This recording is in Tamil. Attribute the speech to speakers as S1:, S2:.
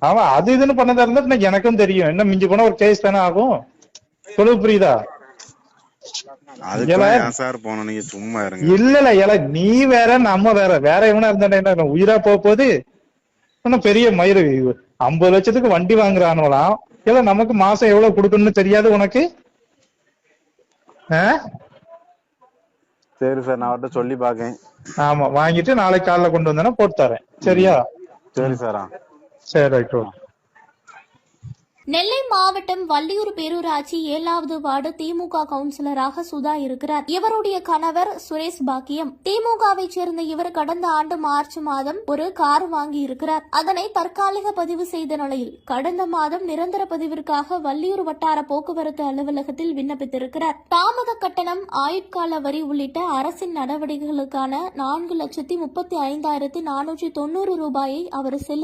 S1: அவன் அது இதுன்னு பண்ணதா இருந்தா எனக்கும் தெரியும். என்ன மிஞ்சி போனா ஒரு கேஸ் தானே ஆகும். சொல்லுது புரியுதா?
S2: சும்மா
S1: இல்ல நீ வேற நம்ம வேற எவனா இருந்தா உயிரா போகுது. இன்னும் பெரிய மயிறு 50 லட்சத்துக்கு வண்டி வாங்குறானுலாம். இல்ல நமக்கு மாசம் எவ்வளவு கொடுக்கணும்னு தெரியாது உனக்கு?
S2: சரி சார், நான் அவர்கிட்ட சொல்லி பாக்கேன்.
S1: ஆமா, வாங்கிட்டு நாளைக்கு காலைல கொண்டு வந்தேன்னா போட்டு தரேன். சரியா?
S2: சரி சார்.
S1: சரி, ரைட்.
S3: நெல்லை மாவட்டம் வள்ளியூர் பேரூராட்சி 7வது வார்டு திமுக கவுன்சிலராக சுதா இருக்கிறார். இவருடைய கணவர் சுரேஷ் பாக்கியம். திமுகவை சேர்ந்த இவர் கடந்த ஆண்டு மார்ச் மாதம் ஒரு கார் வாங்கி இருக்கிறார். அதனை தற்காலிக பதிவு செய்த நிலையில் கடந்த மாதம் நிரந்தர பதிவிற்காக வள்ளியூர் வட்டார போக்குவரத்து அலுவலகத்தில் விண்ணப்பித்திருக்கிறார். தாமத கட்டணம், ஆயுட்கால வரி உள்ளிட்ட அரசின் நடவடிக்கைகளுக்கான 4,35,490 ரூபாயை அவர்